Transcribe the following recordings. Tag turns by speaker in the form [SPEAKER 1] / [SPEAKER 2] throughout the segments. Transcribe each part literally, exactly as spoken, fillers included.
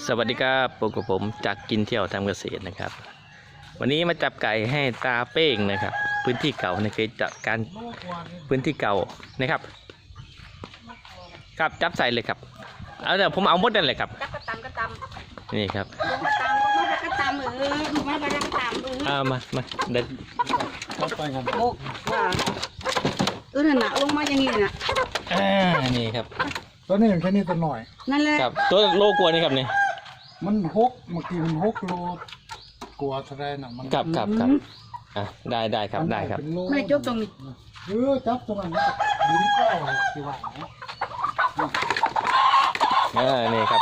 [SPEAKER 1] สวัสดีครับพบกับผมจากกินเที่ยวทำเกษตรนะครับวันนี้มาจับไก่ให้ตาเป้งนะครับพื้นที่เก่าในเคยจับการพื้นที่เก่านะครับครับจับใส่เลยครับเอาเดี๋ยวผมเอาหมดนั่นเลยครับ
[SPEAKER 2] กระตำกระตำ
[SPEAKER 1] นี่ครับ
[SPEAKER 2] กระตำก็ไม่กระตำเออไม่กระตำเออ
[SPEAKER 1] เอามามาเดิน
[SPEAKER 2] โบกว่าเออหนาลงมาอย่างนี้นะ
[SPEAKER 1] อ่านี่ครับ
[SPEAKER 3] ตัวนี้อย่างแค่นี้ตัวหน่อย
[SPEAKER 2] นั่นแหละ
[SPEAKER 1] ครับตัวโลกลัวนี่ครับนี่
[SPEAKER 3] มันหกเมื่อกี้มันหกโลกลัวแสดงน่ะมัน
[SPEAKER 1] ครับครับครับอ่ะได้ได้ครับได้ครับ
[SPEAKER 3] เป็นโล
[SPEAKER 2] ไม่ได้จบตรงนี้
[SPEAKER 3] เออจับตรงนั้นลิ้นเก้าสิว่านะ
[SPEAKER 1] เออนี่ครับ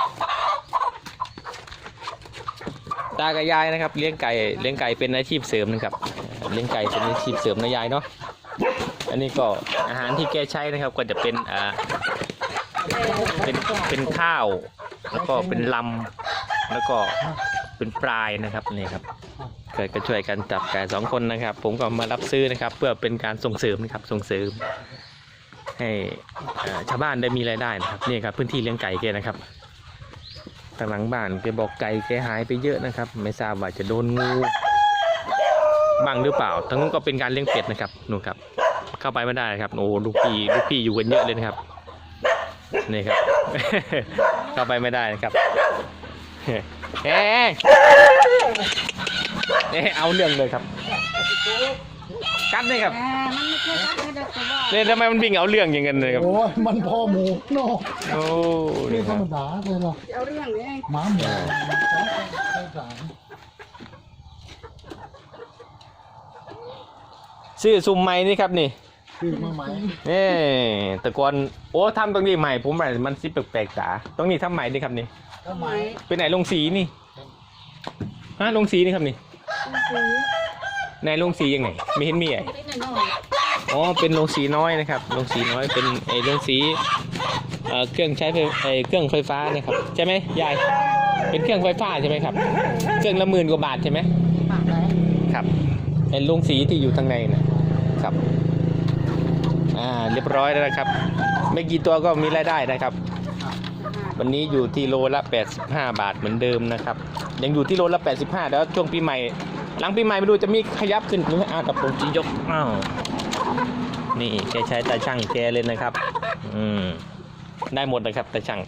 [SPEAKER 1] ตากับยายนะครับเลี้ยงไก่เลี้ยงไก่เป็นอาชีพเสริมนะครับเลี้ยงไก่เป็นอาชีพเสริมนะยายเนาะอันนี้ก็อาหารที่แกใช้นะครับก็จะเป็นอ่าเป็นเป็นข้าวแล้วก็เป็นลำแล้วก็เป็นปลายนะครับนี่ครับเกิดก็ช่วยกันจับไก่สองคนนะครับ ผมก็มารับซื้อนะครับ เพื่อเป็นการส่งเสริมนะครับส่งเสริมให้อ่าชาวบ้านได้มีรายได้นะครับนี่ครับพื้นที่เลี้ยงไก่แกนะครับทางหลังบ้านแกบอกไก่แกหายไปเยอะนะครับไม่ทราบว่าจะโดนงูบ้างหรือเปล่าทั้งนู้นก็เป็นการเลี้ยงเป็ดนะครับนู่นครับเข้าไปไม่ได้ครับโอ้ลูกพี่ลูกพี่อยู่กันเยอะเลยนะครับนี่ครับ เข้าไปไม่ได้นะครับเฮ้เอ๊ะเอาเรื่องเลยครับกัดเลยครับ
[SPEAKER 2] อ่ามันไม่ใช่กัดเลยแต่ว่า
[SPEAKER 1] เนี่ยทำไมมันวิ่งเอาเรื่องอย่างเงี้ยเลยครับ
[SPEAKER 3] โอ้ยมันพอหมูเนาะ
[SPEAKER 1] โอ้
[SPEAKER 3] นี่
[SPEAKER 1] นี่
[SPEAKER 3] ธ
[SPEAKER 1] ค
[SPEAKER 3] ร
[SPEAKER 1] รับ
[SPEAKER 3] รมดาเลยเนาะ
[SPEAKER 2] เอาเรื่องนี้
[SPEAKER 3] หมาหมูใช่สาร
[SPEAKER 1] ชื่อซุมไม้นี่ครับนี่
[SPEAKER 3] คือมาไหม
[SPEAKER 1] นี่แต่ก่อนโอ้ทำตรงนี้ใหม่ผมแบบมันซิปแปลกๆจ๋าตรงนี้ทำใหม่นี่ครับนี่
[SPEAKER 3] ทำไม
[SPEAKER 1] เป็นไหนลงสีนี่ฮะลงสีนี่ครับนี่
[SPEAKER 2] ซื้อ
[SPEAKER 1] ไหนลงสียังไงไม่เห็นมีไอ้
[SPEAKER 2] นิดหน่อย
[SPEAKER 1] อ๋อเป็นลงสีน้อยนะครับลงสีน้อยเป็นไอ้ลงสีเอ่อเครื่องใช้ไฟไอ้เครื่องไฟฟ้านะครับใช่ไหมยายเป็นเครื่องไฟฟ้าใช่ไหมครับเครื่องละหมื่นกว่าบาทใช่ไหม
[SPEAKER 2] ปากเลย
[SPEAKER 1] ครับไอ้ลงสีที่อยู่ทางในนะครับอ่าเรียบร้อยแล้วนะครับไม่กี่ตัวก็มีรายได้นะครับวันนี้อยู่ที่โลละแปดสิบห้าบาทเหมือนเดิมนะครับยังอยู่ที่โลละแปดสิบห้าแล้วช่วงปีใหม่หลังปีใหม่ไม่รู้จะมีขยับขึ้นหรือไม่อ้าวกับผมจียกอ้าวนี่แกใช้ตาช่างแกเลยนะครับอืมได้หมดนะครับตาช่าง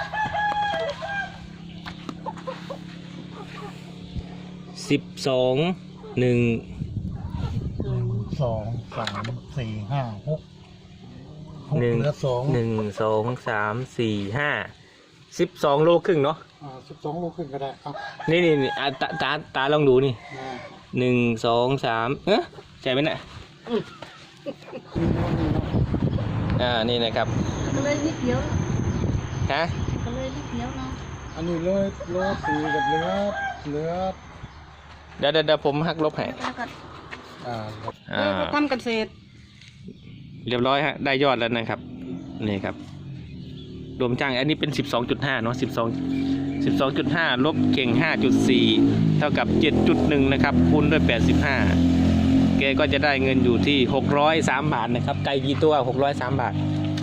[SPEAKER 1] สิบสองหนึ่ง
[SPEAKER 3] สองสามสี่ห้าหกหก
[SPEAKER 1] หนึ่ง
[SPEAKER 3] เหลือสอง
[SPEAKER 1] หนึ่งสองสามสี่ห้าสิบสองโลครึ่งเนาะ
[SPEAKER 3] อ่าสิบสองลูกขึ้นก็ได้เอา
[SPEAKER 1] นี่นี่นี่อ่ะตาตาตาลองดูนี่
[SPEAKER 3] อ่า
[SPEAKER 1] หนึ่งสองสามเอ๊ะใช่ไหมเนี่ยอ่านี่นะครับ
[SPEAKER 2] ก็เลยนิดเดียว
[SPEAKER 1] ฮะ
[SPEAKER 2] ก็เลยนิดเดียวเนาะ
[SPEAKER 3] อันนี้เลยโลสี่กับเหลือเหลือ
[SPEAKER 1] เดี๋ยวเดี๋ยวเดี๋ยวผมหักลบให้
[SPEAKER 2] แล้วก็
[SPEAKER 3] อ่า
[SPEAKER 1] อ่า
[SPEAKER 2] ทำเกษตร
[SPEAKER 1] เรียบร้อยฮะได้ยอดแล้วนะครับนี่ครับรวมจ้างอันนี้เป็นสิบสองจุดห้าเนาะสิบสองสิบสองจุดห้าลบเก่งห้าจุดสี่เท่ากับเจ็ดจุดหนึ่งนะครับคูณด้วยแปดสิบห้าแกก็จะได้เงินอยู่ที่หกร้อยสามบาทนะครับไก่กี่ตัวหกร้อยสามบาท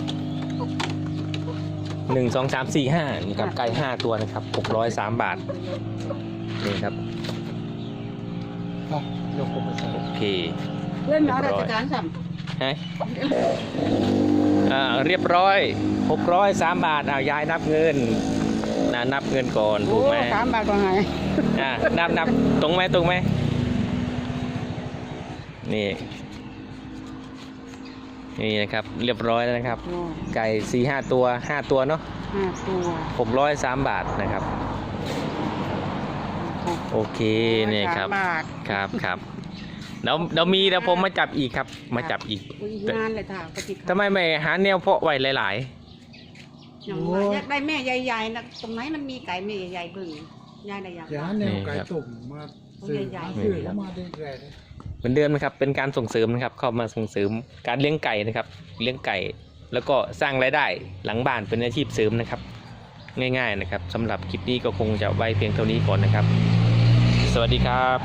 [SPEAKER 1] หนึ่งสองสามสี่ห้านี่ครับไก่ห้าตัวนะครับหกร้อยสามบาทนี่ครับ
[SPEAKER 3] เอายกผมไปใส่
[SPEAKER 1] โอเค
[SPEAKER 2] เรื่องเอาราชการสั่ง
[SPEAKER 1] ฮะอ่าเรียบร้อยหกร้อยสามบาทเอายายนับเงินนะนับเงินก่อนถู
[SPEAKER 2] โอ้
[SPEAKER 1] กไหม
[SPEAKER 2] สามบาทก็หาย
[SPEAKER 1] อ่านับนับตรงไหมตรงไหมนี่นี่นะครับเรียบร้อยแล้วนะครับ ไก่สี่ห้าตัวห้าตัวเนาะ
[SPEAKER 2] ห้าตัว
[SPEAKER 1] หกร้อยสามบาทนะครับโอเคเนี่ยครับ
[SPEAKER 2] สามบาท
[SPEAKER 1] ครับครับเดี๋ยวเดี๋ยวมีเดี๋ยวผมมาจับอีกครับมาจับอีก
[SPEAKER 2] อุ้ยงานเลยค่ะปฏิ
[SPEAKER 1] ทำไมไม่หาแนวเพาะไว้หลาย
[SPEAKER 2] อย่างว่าอยากได้แม่ใหญ่ๆนะตรงไหนมันมีไก่แม่ใหญ่ๆเบิ่งยายได้อยาก
[SPEAKER 3] อย่าแนวไก่ตุ่มมาซื้อมาซื้อแล้วมาได้แรง
[SPEAKER 1] ๆเหมือนเดิมนะครับเป็นการส่งเสริมนะครับเข้ามาส่งเสริมการเลี้ยงไก่นะครับเลี้ยงไก่แล้วก็สร้างรายได้หลังบ้านเป็นอาชีพเสริมนะครับง่ายๆนะครับสำหรับคลิปนี้ก็คงจะไว้เพียงเท่านี้ก่อนนะครับสวัสดีครับ